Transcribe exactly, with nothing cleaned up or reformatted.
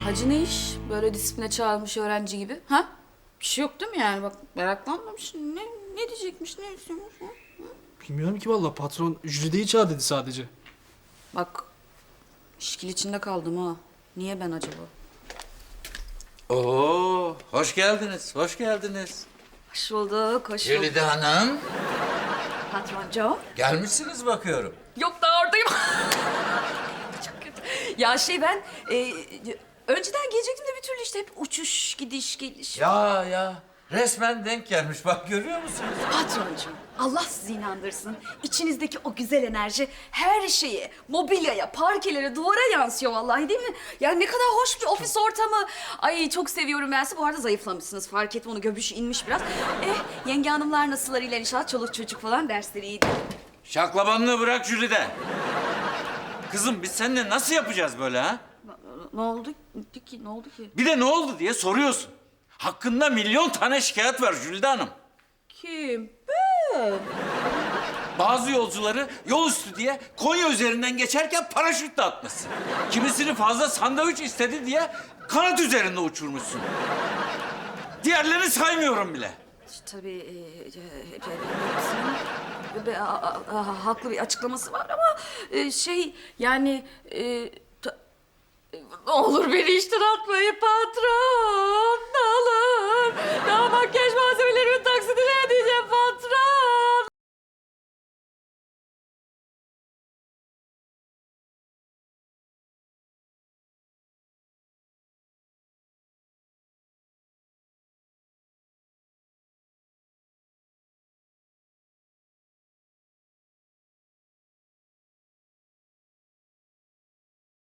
Hacı ne iş? Böyle disipline çağrılmış öğrenci gibi. Ha? Bir şey yok değil mi yani? Bak meraklanmamış. Ne, ne diyecekmiş, ne istiyormuş? Ha? Bilmiyorum ki vallahi patron Jülide'yi çağır dedi sadece. Bak işkil içinde kaldım ha. Niye ben acaba? Oo, hoş geldiniz, hoş geldiniz. Hoş bulduk, hoş bulduk. Jülide Hanım, Patroncu. gelmişsiniz bakıyorum. Yok daha oradayım. Çok kötü. Ya şey ben e, önceden gelecektim de bir türlü işte hep uçuş, gidiş, geliş. Ya ya, resmen denk gelmiş. Bak görüyor musunuz? Patroncuğum, Allah sizi inandırsın. İçinizdeki o güzel enerji her şeye, mobilyaya, parkelere, duvara yansıyor vallahi değil mi? Ya ne kadar hoş bir ofis ortamı. Ay çok seviyorum ben sizi. Bu arada zayıflamışsınız. Fark ettim onu, göbüş inmiş biraz. Eh, yenge hanımlar nasıllar iyiler inşallah? Çoluk çocuk falan dersleri iyiydi. Şaklabanlığı bırak Jülide. Kızım biz seninle nasıl yapacağız böyle ha? Ne oldu ki? Ne oldu ki? Bir de ne oldu diye soruyorsun. Hakkında milyon tane şikayet var Jülide Hanım. Kim? Ben. Bazı yolcuları yol üstü diye Konya üzerinden geçerken paraşütle atmışsın. Kimisini fazla sandviç istedi diye kanat üzerinde uçurmuşsun. Diğerlerini saymıyorum bile. Tabii e, e, e, hepsinin be- a- a- a- haklı bir açıklaması var ama e, şey yani e, ta- e, ne olur beni işten atmayın patron, ne olur. Daha makyaj malzemesi